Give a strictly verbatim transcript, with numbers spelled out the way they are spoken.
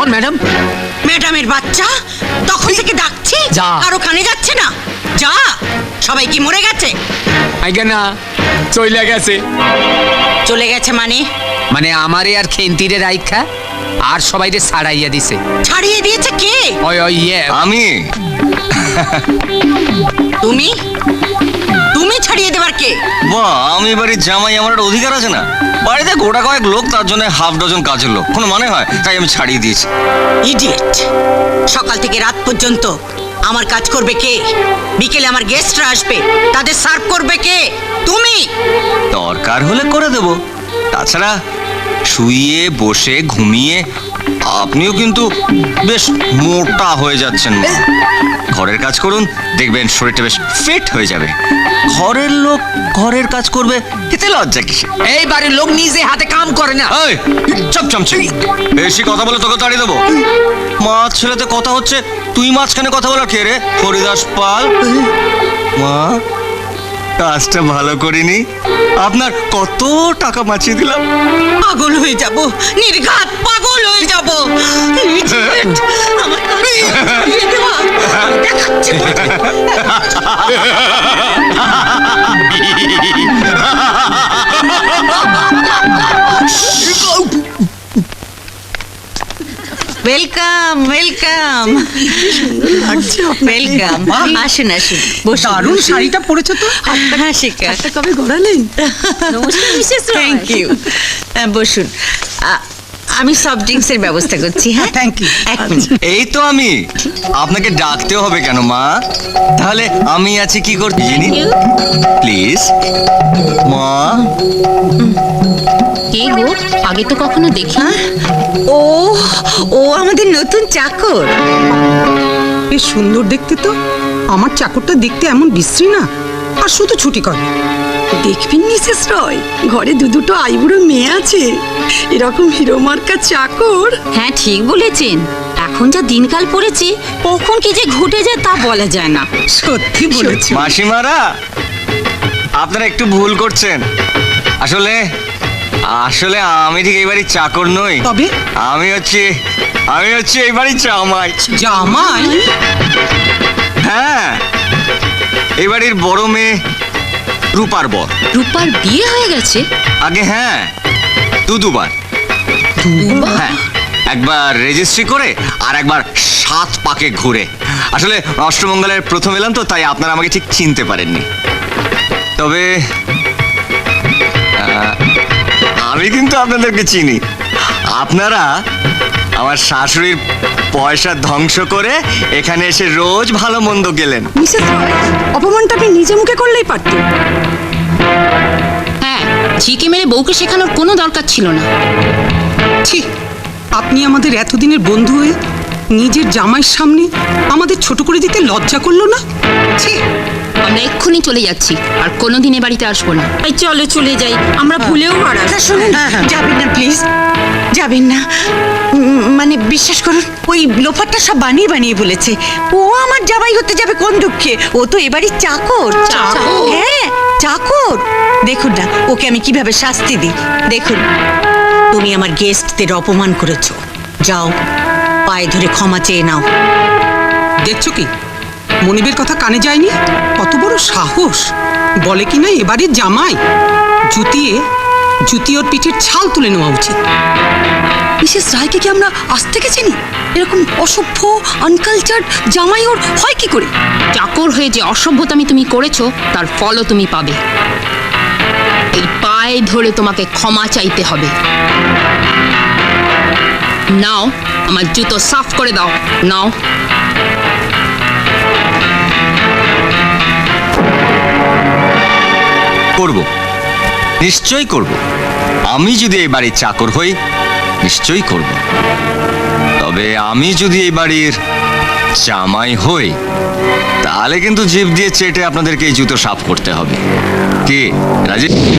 On madam. ম্যাডামের বাচ্চা তখন থেকে ডাকছি, যা। আর ওখানে যাচ্ছে না। যা, সবাই কি মরে গেছে? আইগা না, চইলা গেছে। চলে গেছে মানে? মানে আমারে আর খেন্তিরে রাইখা আর সবাইরে ছাড়াইয়া দিছে। ছাড়িয়ে দিয়েছে কে? ওই ওই ইয়ে আমি। তুমি? তুমি ছাড়িয়ে দেবার কে? বাহ, আমি বাড়ির জামাই, আমার একটা অধিকার আছে না? বাড়িতে গোটা কয়েক লোক, তার জন্য হাফ ডজন কাজের লোক, কোনো মানে হয়? তাই আমি ছাড়িয়ে দিয়েছি। ইডিয়েট! সকাল থেকে রাত পর্যন্ত আমার কাজ করবে কে? বিকেলে আমার গেস্টরা আসবে, তাদের সার্ভ করবে কে? তুমি। দরকার হলে করে দেব। তাছাড়া শুয়ে বসে ঘুমিয়ে আপনিও কিন্তু বেশ মোটা হয়ে যাচ্ছেন মা। ঘরের কাজ করুন, দেখবেন শরীরটা বেশ ফিট হয়ে যাবে। ঘরের লোক ঘরের কাজ করবে, এতে লজ্জা কিসে? এই বাড়ির লোক নিজে হাতে কাম করে না। এই চপ চামচে, বেশি কথা বলে তোকে তাড়িয়ে দেবো। মাছ ছেলেতে কথা হচ্ছে, তুই মাঝখানে কথা বলা কে রে? হরিদাস পাল। মা, কাজটা ভালো করিনি, আপনার কত টাকা বাঁচিয়ে দিলাম। পাগল হয়ে যাব, নির্ঘাত পাগল হয়ে যাব। Idiot! আমার কাজ ছাড়িয়ে দেওয়া। দেখাচ্ছি। Welcome welcome welcome. আসুন আসুন, বসুন। দারুণ শাড়িটা পরেছো তো। হ্যাঁ শিখা, হাতটা কবে গড়ালেন? নমস্কার মিসেস থ্যাংক ইউ। বসুন, আ- আমি সফট ড্রিঙ্কসের ব্যবস্থা করছি। হ্যাঁ থ্যাংক ইউ। এক মিনিট। এই তো আমি, আপনাকে ডাকতেও হবে কেন মা? তাহলে আমি আছি কি করতে জানি? প্লিজ মা। কে গো? আগে তো কখনো দেখি। ও ও আমাদের নতুন চাকর। বেশ সুন্দর দেখতে তো। আমার চাকরটা দেখতে এমন বিশ্রী না, আর শুধু ছুটি করে। দেখবেন মিসেস রয়, ঘরে দু দুটো আইবুড়ো মেয়ে আছে, এরকম হিরো মার্কা চাকর। হ্যাঁ ঠিক বলেছেন, এখন যা দিনকাল পড়েছে কখন কি যে ঘটে যায় তা বলা যায় না। সত্যি বলেছো। মাসিমারা, আপনারা একটু ভুল করছেন। আসলে আসলে আমি ঠিক এই বাড়ির চাকর নই। তবে? আমি হচ্ছে আমি হচ্ছে এই বাড়ির জামাই। জামাই? হ্যাঁ, এই বাড়ির বড় মেয়ে রূপার বর। রূপার বিয়ে হয়ে গেছে? আগে হ্যাঁ, দু দুবার। হ্যাঁ, একবার রেজিস্ট্রি করে আর একবার সাত পাকে ঘুরে। আসলে অষ্টমঙ্গলের প্রথম এলাম তো, তাই আপনারা আমাকে ঠিক চিনতে পারেননি। তবে আহ, আমি কিন্তু আপনাদেরকে চিনি। আপনারা আমার শাশুড়ির পয়সা ধ্বংস করে এখানে এসে রোজ ভালো মন্দ গেলেন। মিসেস রয়, অপমানটা আপনি নিজে মুখে করলেই পারতেন। হ্যাঁ, ঝিকে মেরে বউকে শেখানোর কোনো দরকার ছিল না। ছি, আপনি আমাদের এতদিনের বন্ধু হয়ে নিজের জামাইয়ের সামনে আমাদের ছোট করে দিতে লজ্জা করলো না? ছি। আমরা এক্ষুনি চলে যাচ্ছি, আর কোনোদিন এ বাড়িতে আসবো না। এই চলো চলে যাই, আমরা ভুলেও আর আসবো আচ্ছা শুনুন, যাবেন না প্লিজ, যাবেন না। উম, মানে বিশ্বাস করুন, ওই লোফারটা সব বানিয়ে বানিয়ে বলেছে। ও আমার জামাই হতে যাবে কোন দুঃখে? ও তো এবারই চাকর। চাকর? হ্যাঁ চাকর। দেখুন না ওকে আমি কিভাবে শাস্তি দিই। দেখুন, তুমি আমার গেস্টদের অপমান করেছো, যাও পায়ে ধরে ক্ষমা চেয়ে নাও। দেখছো কি, মনিবের কথা কানে যায়নি? কত বড় সাহস! বলে কি না এবারে জামাই। জুতিয়ে জুতি ওর পিঠের ছাল তুলে নেওয়া উচিত। মিসেস রায়কে কি আমরা আজ থেকে চিনি? এরকম অসভ্য আনকালচার্ড জামাই ওর হয় কি করে? চাকর হয়ে যে অসভ্যতামি তুমি করেছো তার ফলও তুমি পাবে। এই পায়ে ধরে তোমাকে ক্ষমা চাইতে হবে। নাও, আমার জুতো সাফ করে দাও। নাও। করব, নিশ্চয়ই করব। আমি যদি এই বাড়ির চাকর হই, নিশ্চয়ই করব। তবে আমি যদি এই বাড়ির জামাই হই, তাহলে কিন্তু জিভ দিয়ে চেটে আপনাদেরকে এই জুতো সাফ করতে হবে। কি রাজি?